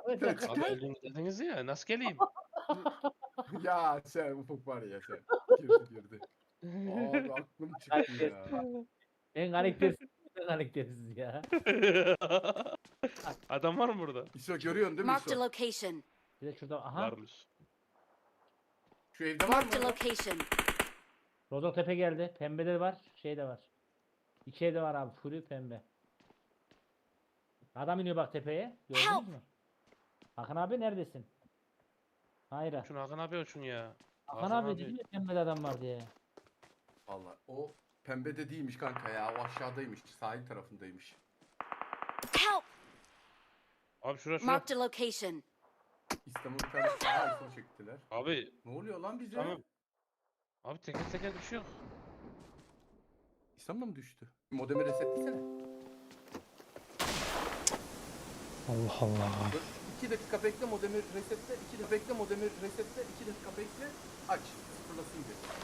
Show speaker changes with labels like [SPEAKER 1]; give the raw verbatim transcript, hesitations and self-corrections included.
[SPEAKER 1] Abi elini dediniz ya nasıl geleyim?
[SPEAKER 2] Ya sen Ufuk var ya sen. Girdi girdi. Abi aklım çıktı ya.
[SPEAKER 3] En karaktersiz, en karaktersiz ya.
[SPEAKER 1] Adam var mı burada?
[SPEAKER 2] İso görüyorsun değil mi
[SPEAKER 4] Marked a
[SPEAKER 2] İso?
[SPEAKER 4] location.
[SPEAKER 3] Bir de şurada aha.
[SPEAKER 1] Varmış.
[SPEAKER 2] Şu evde var mı?
[SPEAKER 4] Marked a location.
[SPEAKER 3] Rozok tepe geldi. Pembe de var. Şey de var. İki evde var abi. Fury pembe. Adam iniyor bak tepeye. Gördünüz
[SPEAKER 4] Help!
[SPEAKER 3] mü? Hakan abi neredesin? Hayır.
[SPEAKER 1] Şunu Hakan abi uçun ya.
[SPEAKER 3] Hakan abi dedi mi pembede adam var diye.
[SPEAKER 2] Vallahi o pembede değilmiş kanka ya. O aşağıdaymış. Sahil tarafındaymış.
[SPEAKER 4] Help!
[SPEAKER 1] Abi şura şura.
[SPEAKER 4] Marked a location.
[SPEAKER 2] İstanbul bir tane sağa İso çektiler.
[SPEAKER 1] Abi.
[SPEAKER 2] Ne oluyor lan bize?
[SPEAKER 1] Tamam. Abi teker teker düşüyor.
[SPEAKER 2] İstanbul mı düştü? Modemi resetlesene.
[SPEAKER 1] Allah Allah.
[SPEAKER 2] Dur, iki dakika bekle modemi resetle. iki dakika bekle modemi resetle. iki dakika bekle. Aç. Sıfırlasın bir.